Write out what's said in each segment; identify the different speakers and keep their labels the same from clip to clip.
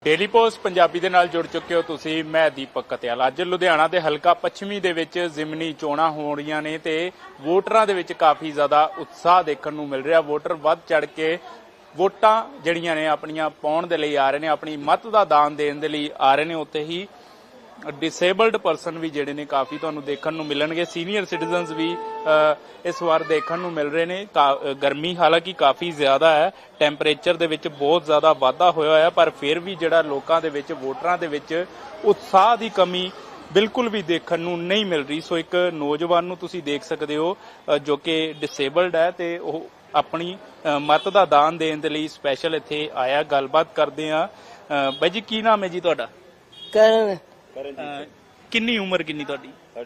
Speaker 1: Daily post Punjabi ਦੇ ਨਾਲ ਜੁੜ ਚੁੱਕੇ ਹੋ ਤੁਸੀਂ। ਮੈਂ ਦੀਪਕ ਕਤਿਆਲ। ਅੱਜ ਲੁਧਿਆਣਾ ਦੇ ਹਲਕਾ ਪੱਛਮੀ ਦੇ ਵਿੱਚ ਜ਼ਿਮਨੀ ਚੋਣਾਂ ਹੋ ਰਹੀਆਂ ਨੇ ਤੇ ਵੋਟਰਾਂ ਦੇ ਵਿੱਚ ਕਾਫੀ ਜ਼ਿਆਦਾ ਉਤਸ਼ਾਹ ਦੇਖਣ ਨੂੰ ਮਿਲ ਰਿਹਾ। ਵੋਟਰ ਵੱਧ ਚੜ ਕੇ ਵੋਟਾਂ ਜਿਹੜੀਆਂ ਨੇ ਆਪਣੀਆਂ ਪਾਉਣ ਦੇ ਲਈ ਆ ਰਹੇ ਨੇ, ਆਪਣੀ ਮਤ ਦਾ ਦਾਨ ਦੇਣ ਦੇ ਲਈ ਆ ਰਹੇ ਨੇ। ਉੱਥੇ ਹੀ ਡਿਸੇਬਲਡ ਪਰਸਨ ਵੀ ਜਿਹੜੇ ਨੇ ਕਾਫੀ ਤੁਹਾਨੂੰ ਦੇਖਣ ਨੂੰ ਮਿਲਣਗੇ। ਸੀਨੀਅਰ ਸਿਟੀਜ਼ਨਸ ਵੀ ਇਸ ਵਾਰ ਦੇਖਣ ਨੂੰ ਮਿਲ ਰਹੇ ਨੇ। ਗਰਮੀ ਹਾਲਾਂਕਿ ਕਾਫੀ ਜ਼ਿਆਦਾ ਹੈ, ਟੈਂਪਰੇਚਰ ਦੇ ਵਿੱਚ ਬਹੁਤ ਜ਼ਿਆਦਾ ਵਾਧਾ ਹੋਇਆ ਹੋਇਆ, ਪਰ ਫਿਰ ਵੀ ਜਿਹੜਾ ਲੋਕਾਂ ਦੇ ਵਿੱਚ, ਵੋਟਰਾਂ ਦੇ ਵਿੱਚ ਉਤਸ਼ਾਹ ਦੀ ਕਮੀ ਬਿਲਕੁਲ ਵੀ ਦੇਖਣ ਨੂੰ ਨਹੀਂ ਮਿਲ ਰਹੀ। ਸੋ ਇੱਕ ਨੌਜਵਾਨ ਨੂੰ ਤੁਸੀਂ ਦੇਖ ਸਕਦੇ ਹੋ ਜੋ ਕਿ ਡਿਸੇਬਲਡ ਹੈ ਤੇ ਉਹ ਆਪਣੀ ਮਤ ਦਾ ਦਾਨ ਦੇਣ ਦੇ ਲਈ ਸਪੈਸ਼ਲ ਇੱਥੇ ਆਇਆ। ਗੱਲਬਾਤ ਕਰਦੇ ਆ। ਬਾਈ ਜੀ, ਕੀ ਨਾਮ ਹੈ ਜੀ ਤੁਹਾਡਾ?
Speaker 2: ਕਰਨ
Speaker 1: ਕਿੰਨੀ ਉਮਰ ਕਿੰਨੀ ਤੁਹਾਡੀ?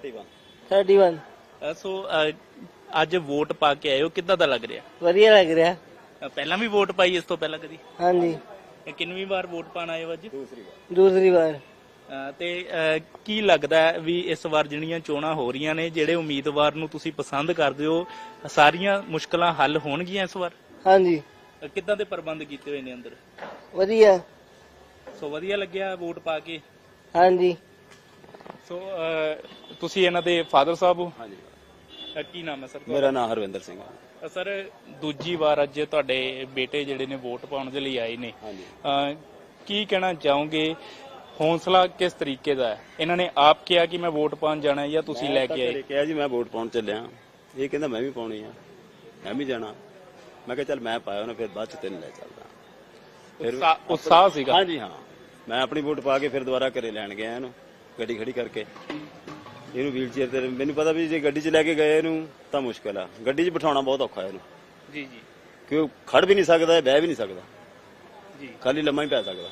Speaker 2: 31
Speaker 1: ਸੋ ਅੱਜ ਵੋਟ ਪਾ ਕੇ ਆਏ ਹੋ, ਕਿੱਦਾਂ ਦਾ ਲੱਗ ਰਿਹਾ?
Speaker 2: ਵਧੀਆ ਲੱਗ ਰਿਹਾ।
Speaker 1: ਪਹਿਲਾਂ ਵੀ ਵੋਟ ਪਾਈ ਇਸ ਤੋਂ ਪਹਿਲਾਂ ਕਦੀ?
Speaker 2: ਹਾਂਜੀ,
Speaker 1: ਕਿੰਨਵੀਂ ਵਾਰ ਵੋਟ ਪਾਣ ਆਏ ਹੋ ਅੱਜ?
Speaker 2: ਦੂਸਰੀ ਵਾਰ।
Speaker 1: ਤੇ ਕੀ ਲੱਗਦਾ ਹੈ ਵੀ ਇਸ ਵਾਰ ਜਿਹੜੀਆਂ ਚੋਣਾਂ ਹੋ ਰਹੀਆਂ ਨੇ, ਜਿਹੜੇ ਉਮੀਦਵਾਰ ਨੂੰ ਤੁਸੀਂ ਪਸੰਦ ਕਰਦੇ ਹੋ, ਸਾਰੀਆਂ ਮੁਸ਼ਕਲਾਂ ਹੱਲ ਹੋਣਗੀਆਂ ਇਸ ਵਾਰ?
Speaker 2: ਹਾਂਜੀ।
Speaker 1: ਕਿੱਦਾਂ ਦੇ ਪ੍ਰਬੰਧ ਕੀਤੇ ਹੋਏ ਨੇ ਅੰਦਰ?
Speaker 2: ਵਧੀਆ।
Speaker 1: ਸੋ ਵਧੀਆ ਲੱਗਿਆ ਵੋਟ ਪਾ ਕੇ?
Speaker 2: ਹਾਂਜੀ।
Speaker 1: ਸੋ ਤੁਸੀਂ ਇਹਨਾਂ ਦੇ ਫਾਦਰ ਸਾਹਿਬ ਹੋ?
Speaker 3: ਹਾਂਜੀ।
Speaker 1: ਕੀ ਨਾਮ ਹੈ ਸਰ?
Speaker 3: ਮੇਰਾ ਨਾਮ ਹਰਵਿੰਦਰ ਸਿੰਘ ਹੈ।
Speaker 1: ਸਰ, ਦੂਜੀ ਵਾਰ ਅੱਜ ਤੁਹਾਡੇ ਬੇਟੇ ਜਿਹੜੇ ਨੇ ਵੋਟ ਪਾਉਣ ਦੇ ਲਈ ਆਏ ਨੇ, ਕੀ ਕਹਿਣਾ ਚਾਹੋਗੇ? ਹੌਸਲਾ ਕਿਸ ਤਰੀਕੇ ਦਾ ਹੈ? ਇਹਨਾਂ ਨੇ ਆਪ ਕਿਹਾ ਕਿ ਮੈਂ ਵੋਟ ਪਾਉਣ ਜਾਣਾ ਜਾਂ ਤੁਸੀਂ ਲੈ ਕੇ ਆਏ?
Speaker 3: ਕਿਹਾ ਜੀ ਮੈਂ ਵੋਟ ਪਾਉਣ ਚੱਲਿਆ। ਇਹ ਕਹਿੰਦਾ ਮੈਂ ਵੀ ਪਾਉਣੀ ਆ, ਮੈਂ ਵੀ ਜਾਣਾ। ਮੈਂ ਕਿਹਾ ਚੱਲ ਮੈਂ ਪਾਇਆ ਉਹਨੇ, ਫਿਰ ਬਾਅਦ ਚ ਤੈਨੂੰ ਲੈ ਚੱਲਦਾ।
Speaker 1: ਉਤਸ਼ਾਹ ਸੀਗਾ?
Speaker 3: ਹਾਂਜੀ ਹਾਂ। ਮੈਂ ਆਪਣੀ ਵੋਟ ਪਾ ਕੇ ਫਿਰ ਦੁਬਾਰਾ ਘਰੇ ਲੈਣ ਗਿਆ ਇਹਨੂੰ, ਗੱਡੀ ਖੜੀ ਕਰਕੇ। ਇਹਨੂੰ ਵੀਲ ਚੇਅਰ ਤੇ, ਮੈਨੂੰ ਪਤਾ ਵੀ ਜੇ ਗੱਡੀ 'ਚ ਲੈ ਕੇ ਗਏ ਇਹਨੂੰ ਤਾਂ ਮੁਸ਼ਕਲ ਆ, ਗੱਡੀ 'ਚ ਬਿਠਾਉਣਾ ਬਹੁਤ ਔਖਾ ਇਹਨੂੰ।
Speaker 1: ਜੀ ਜੀ।
Speaker 3: ਕਿਉਂ ਖੜ ਵੀ ਨਹੀਂ ਸਕਦਾ, ਬਹਿ ਵੀ ਨਹੀਂ ਸਕਦਾ
Speaker 1: ਜੀ,
Speaker 3: ਖਾਲੀ ਲੰਮਾ ਹੀ ਪੈ ਸਕਦਾ।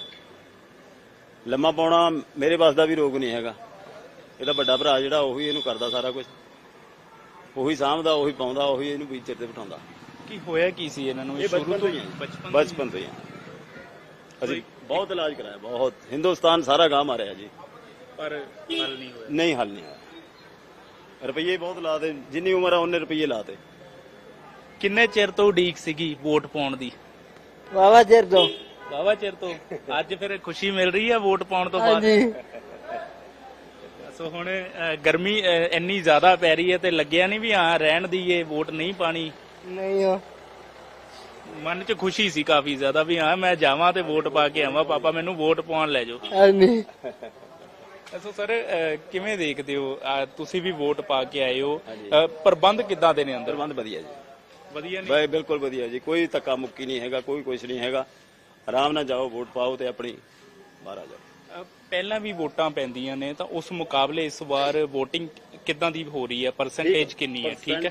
Speaker 3: ਲੰਮਾ ਪਾਉਣਾ ਮੇਰੇ ਵੱਸ ਦਾ ਵੀ ਰੋਗ ਨਹੀਂ ਹੈਗਾ। ਇਹਦਾ ਵੱਡਾ ਭਰਾ ਜਿਹੜਾ ਉਹੀ ਇਹਨੂੰ ਕਰਦਾ ਸਾਰਾ ਕੁਝ, ਉਹੀ ਸਾਂਭਦਾ, ਉਹੀ ਪਾਉਂਦਾ, ਉਹੀ ਇਹਨੂੰ ਵੀਲ ਚੇਅਰ ਤੇ ਬਿਠਾਉਂਦਾ।
Speaker 1: ਕੀ ਹੋਇਆ ਕੀ ਸੀ ਇਹਨਾਂ ਨੂੰ?
Speaker 3: ਇਹ ਬਚਪਨ ਤੋਂ ਹੀ ਆ। ਅਸੀਂ ਬਹੁਤ ਇਲਾਜ ਕਰਾਇਆ, ਬਹੁਤ। ਹਿੰਦੁਸਤਾਨ ਸਾਰਾ ਗਾਹ ਮਾਰਿਆ ਜੀ,
Speaker 1: ਪਰ ਹੱਲ ਨਹੀਂ ਹੋਇਆ।
Speaker 3: ਨਹੀਂ, ਹੱਲ ਨਹੀਂ ਹੋਇਆ। ਰੁਪਈਏ ਬਹੁਤ ਲਾਤੇ, ਜਿੰਨੀ ਉਮਰ ਆ ਉਹਨੇ ਰੁਪਈਏ ਲਾਤੇ।
Speaker 1: ਕਿੰਨੇ ਚਿਰ ਤੋਂ ਉਡੀਕ ਸੀਗੀ ਵੋਟ ਪਾਉਣ ਦੀ?
Speaker 2: ਵਾਵਾ ਚਿਰ ਤੋਂ।
Speaker 1: ਵਾਵਾ ਚਿਰ ਤੋਂ। ਅੱਜ ਫਿਰ ਖੁਸ਼ੀ ਮਿਲ ਰਹੀ ਹੈ ਵੋਟ ਪਾਉਣ ਤੋਂ ਬਾਅਦ?
Speaker 2: ਹਾਂਜੀ।
Speaker 1: ਸੋ ਹੁਣ ਗਰਮੀ ਇੰਨੀ ਜ਼ਿਆਦਾ ਪੈ ਰਹੀ ਹੈ ਤੇ ਲੱਗਿਆ ਨਹੀਂ ਵੀ ਹਾਂ ਰਹਿਣ ਦੀਏ, ਵੋਟ ਨਹੀਂ ਪਾਣੀ?
Speaker 2: ਨਹੀਂ ਹੋ।
Speaker 1: ਮਨ 'ਚ ਖੁਸ਼ੀ ਸੀ ਕਾਫੀ ਜ਼ਿਆਦਾ ਵੀ ਹਾਂ ਮੈਂ ਜਾਵਾਂ ਤੇ ਵੋਟ ਪਾ ਕੇ ਆਵਾਂ, ਪਾਪਾ ਮੈਨੂੰ ਵੋਟ ਪਾਉਣ ਲੈ ਜਾਓ।
Speaker 2: ਹਾਂਜੀ।
Speaker 1: ਸੋ ਸਰ, ਕਿਵੇਂ ਦੇਖਦੇ ਹੋ? ਤੁਸੀਂ ਵੀ ਵੋਟ ਪਾ ਕੇ ਆਏ ਹੋ, ਪ੍ਰਬੰਧ ਕਿੱਦਾਂ ਦੇ ਨੇ ਅੰਦਰ?
Speaker 3: ਪ੍ਰਬੰਧ ਵਧੀਆ ਜੀ,
Speaker 1: ਵਧੀਆ ਨੇ?
Speaker 3: ਬਾਈ ਬਿਲਕੁਲ ਵਧੀਆ ਜੀ। ਕੋਈ ਧੱਕਾ ਮੁੱਕੀ ਨਹੀਂ ਹੈਗਾ, ਕੋਈ ਕੁਛ ਨਹੀਂ ਹੈਗਾ। ਆਰਾਮ ਨਾਲ ਜਾਓ, ਵੋਟ ਪਾਓ ਤੇ ਆਪਣੀ ਬਾਹਰ ਆ ਜਾਓ।
Speaker 1: ਪਹਿਲਾਂ ਵੀ ਵੋਟਾਂ ਪੈਂਦੀਆਂ ਨੇ ਤਾਂ ਉਸ ਮੁਕਾਬਲੇ ਇਸ ਵਾਰ ਵੋਟਿੰਗ ਕਿੱਦਾਂ ਦੀ ਹੋ ਰਹੀ ਹੈ? ਪਰਸੈਂਟੇਜ ਕਿੰਨੀ ਹੈ? ਠੀਕ ਹੈ,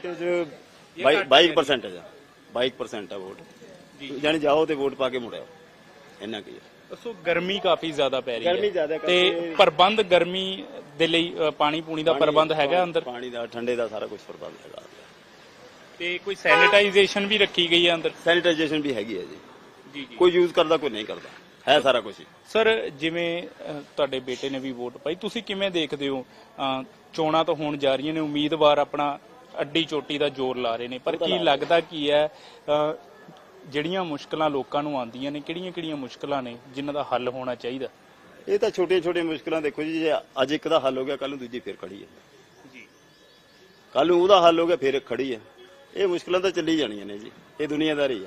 Speaker 3: 22% ਆ ਵੋਟ। ਜਾਨੀ ਜਾਓ ਤੇ ਵੋਟ ਪਾ ਕੇ ਮੁੜਿਓ, ਇੰਨਾ ਕੀ ਹੈ।
Speaker 1: ਸੋ ਗਰਮੀ ਕਾਫੀ ਜ਼ਿਆਦਾ ਪੈ ਰਹੀ ਹੈ,
Speaker 3: ਗਰਮੀ ਜ਼ਿਆਦਾ
Speaker 1: ਤੇ ਪ੍ਰਬੰਧ ਗਰਮੀ ਦੇ ਲਈ ਪਾਣੀ ਪੂਣੀ ਦਾ ਪ੍ਰਬੰਧ ਹੈਗਾ ਅੰਦਰ?
Speaker 3: ਪਾਣੀ ਦਾ, ਠੰਡੇ ਦਾ ਸਾਰਾ ਕੁਝ ਪ੍ਰਬੰਧ ਹੈਗਾ।
Speaker 1: ਤੇ ਕੋਈ ਸੈਨੀਟਾਈਜੇਸ਼ਨ ਵੀ ਰੱਖੀ ਗਈ ਹੈ ਅੰਦਰ?
Speaker 3: ਸੈਨੀਟਾਈਜੇਸ਼ਨ ਵੀ ਹੈਗੀ ਹੈ ਜੀ।
Speaker 1: ਜੀ ਜੀ।
Speaker 3: ਕੋਈ ਯੂਜ਼ ਕਰਦਾ, ਕੋਈ ਨਹੀਂ ਕਰਦਾ, ਹੈ ਸਾਰਾ ਕੁਝ।
Speaker 1: ਸਰ, ਜਿਵੇਂ ਤੁਹਾਡੇ ਬੇਟੇ ਨੇ ਵੀ ਵੋਟ ਪਾਈ, ਤੁਸੀਂ ਕਿਵੇਂ ਦੇਖਦੇ ਹੋ? ਚੋਣਾਂ ਤਾਂ ਹੋਣ ਜਾ ਰਹੀਆਂ ਨੇ, ਉਮੀਦਵਾਰ ਆਪਣਾ ਅੱਡੀ ਚੋਟੀ ਦਾ ਜ਼ੋਰ ਲਾ ਰਹੇ ਨੇ, ਪਰ ਕੀ ਲੱਗਦਾ ਕੀ ਹੈ ਜਿਹੜੀਆਂ ਮੁਸ਼ਕਲਾਂ ਲੋਕਾਂ ਨੂੰ ਆਉਂਦੀਆਂ ਨੇ, ਕਿਹੜੀਆਂ ਮੁਸ਼ਕਲਾਂ ਨੇ ਜਿਨ੍ਹਾਂ ਦਾ ਹੱਲ ਹੋਣਾ ਚਾਹੀਦਾ?
Speaker 3: ਇਹ ਤਾਂ ਛੋਟੀਆਂ ਮੁਸ਼ਕਲਾਂ ਦੇਖੋ ਜੀ, ਜੇ ਅੱਜ ਇੱਕ ਦਾ ਹੱਲ ਹੋ ਗਿਆ, ਕੱਲ ਨੂੰ ਦੂਜੀ ਫਿਰ ਖੜੀ ਹੈ
Speaker 1: ਜੀ।
Speaker 3: ਕੱਲ ਨੂੰ ਉਹਦਾ ਹੱਲ ਹੋ ਗਿਆ, ਫਿਰ ਖੜੀ ਹੈ। ਇਹ ਮੁਸ਼ਕਲਾਂ ਤਾਂ ਚੱਲੀ ਜਾਣੀਆਂ ਨੇ ਜੀ, ਇਹ ਦੁਨੀਆਦਾਰੀ ਆ।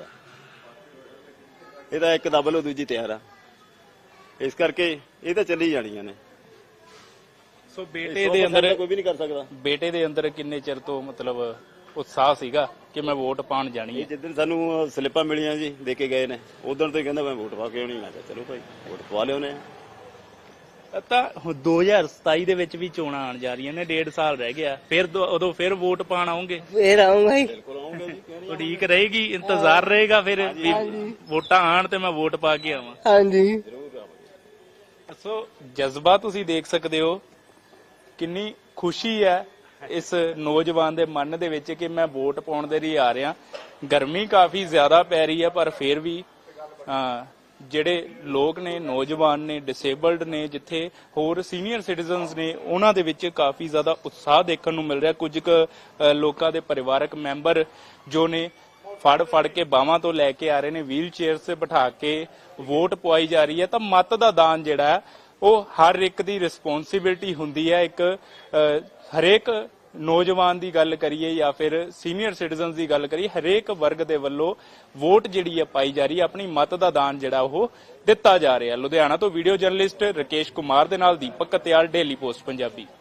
Speaker 3: ਇਹ ਤਾਂ ਇੱਕ ਦਬ ਲਓ ਦੂਜੀ ਤਿਆਰ ਆ, ਇਸ ਕਰਕੇ ਇਹ ਤਾਂ ਚੱਲੀ ਜਾਣੀਆਂ ਨੇ।
Speaker 1: ਸੋ ਬੇਟੇ ਦੇ ਅੰਦਰ
Speaker 3: ਕੋਈ ਵੀ ਨਹੀਂ ਕਰ ਸਕਦਾ।
Speaker 1: ਬੇਟੇ ਦੇ ਅੰਦਰ ਕਿੰਨੇ ਚਿਰ ਤੋਂ ਮਤਲਬ ਉਤਸ਼ਾਹ ਸੀਗਾ ਕਿ ਮੈਂ ਵੋਟ ਪਾਉਣ ਜਾਣੀ ਹੈ?
Speaker 3: ਜਿੱਦਣ ਸਾਨੂੰ ਸਲਿੱਪਾਂ ਮਿਲੀਆਂ ਜੀ, ਦੇ ਕੇ ਗਏ ਨੇ, ਉਦੋਂ ਤੋਂ ਹੀ ਕਹਿੰਦਾ ਮੈਂ ਵੋਟ ਪਾ ਕੇ ਆਉਣੀ। ਮੈਂ ਕਿਹਾ ਚਲੋ ਭਾਈ ਵੋਟ ਪਵਾ ਲਿਓਨੇ ਆ।
Speaker 1: ਤਾਂ 2027 ਦੇ ਵਿੱਚ ਵੀ ਚੋਣਾਂ ਆਉਣ ਜਾ ਰਹੀਆਂ ਨੇ, 1.5 ਸਾਲ ਰਹਿ ਗਿਆ, ਫਿਰ ਉਦੋਂ ਫਿਰ ਵੋਟ ਪਾਣ ਆਉਂਗੇ?
Speaker 2: ਫੇਰ ਆਉਂਗਾ ਹੀ।
Speaker 3: ਬਿਲਕੁਲ ਆਉਂਗੇ ਜੀ।
Speaker 1: ਉਡੀਕ ਰਹੇਗੀ, ਇੰਤਜ਼ਾਰ ਰਹੇਗਾ ਫਿਰ ਵੀ ਵੋਟਾਂ ਆਣ ਤੇ ਮੈਂ ਵੋਟ ਪਾ ਕੇ ਆਵਾਂ?
Speaker 2: ਹਾਂਜੀ।
Speaker 1: ਸੋ ਜਜ਼ਬਾ ਤੁਸੀਂ ਦੇਖ ਸਕਦੇ ਹੋ, ਕਿੰਨੀ ਖੁਸ਼ੀ ਹੈ ਇਸ ਨੌਜਵਾਨ ਦੇ ਮਨ ਦੇ ਵਿੱਚ ਕਿ ਮੈਂ ਵੋਟ ਪਾਉਣ ਦੇ ਲਈ ਆ ਰਿਹਾ। ਗਰਮੀ ਕਾਫੀ ਜ਼ਿਆਦਾ ਪੈ ਰਹੀ ਹੈ, ਪਰ ਫਿਰ ਵੀ ਜਿਹੜੇ ਲੋਕ ਨੇ, ਨੌਜਵਾਨ ਨੇ, ਡਿਸੇਬਲਡ ਨੇ, ਜਿੱਥੇ ਹੋਰ ਸੀਨੀਅਰ ਸਿਟੀਜ਼ਨਸ ਨੇ, ਉਹਨਾਂ ਦੇ ਵਿੱਚ ਕਾਫੀ ਜ਼ਿਆਦਾ ਉਤਸ਼ਾਹ ਦੇਖਣ ਨੂੰ ਮਿਲ ਰਿਹਾ। ਕੁਝ ਕੁ ਲੋਕਾਂ ਦੇ ਪਰਿਵਾਰਕ ਮੈਂਬਰ ਜੋ ਨੇ ਫੜ ਕੇ ਬਾਹਾਂ ਤੋਂ ਲੈ ਕੇ ਆ ਰਹੇ ਨੇ, ਵੀਲ ਚੇਅਰ 'ਤੇ ਬਿਠਾ ਕੇ ਵੋਟ ਪਵਾਈ ਜਾ ਰਹੀ ਹੈ। ਤਾਂ ਮਤ ਦਾ ਦਾਨ ਜਿਹੜਾ ਹੈ ਉਹ ਹਰ ਇੱਕ ਦੀ ਰਿਸਪੌਂਸਿਬਿਲਟੀ ਹੁੰਦੀ ਹੈ। ਇੱਕ ਹਰੇਕ ਨੌਜਵਾਨ ਦੀ ਗੱਲ ਕਰੀਏ ਜਾਂ ਫਿਰ ਸੀਨੀਅਰ ਸਿਟੀਜ਼ਨਸ ਦੀ ਗੱਲ ਕਰੀਏ, ਹਰੇਕ ਵਰਗ ਦੇ ਵੱਲੋਂ ਵੋਟ ਜਿਹੜੀ ਹੈ ਪਾਈ ਜਾ ਰਹੀ ਹੈ, ਆਪਣੀ ਮਤ ਦਾ ਦਾਨ ਜਿਹੜਾ ਉਹ ਦਿੱਤਾ ਜਾ ਰਿਹਾ। ਲੁਧਿਆਣਾ ਤੋਂ ਵੀਡੀਓ ਜਰਨਲਿਸਟ ਰਕੇਸ਼ ਕੁਮਾਰ ਦੇ ਨਾਲ ਦੀਪਕ ਕਤਿਆਲ, ਡੇਲੀ ਪੋਸਟ ਪੰਜਾਬੀ।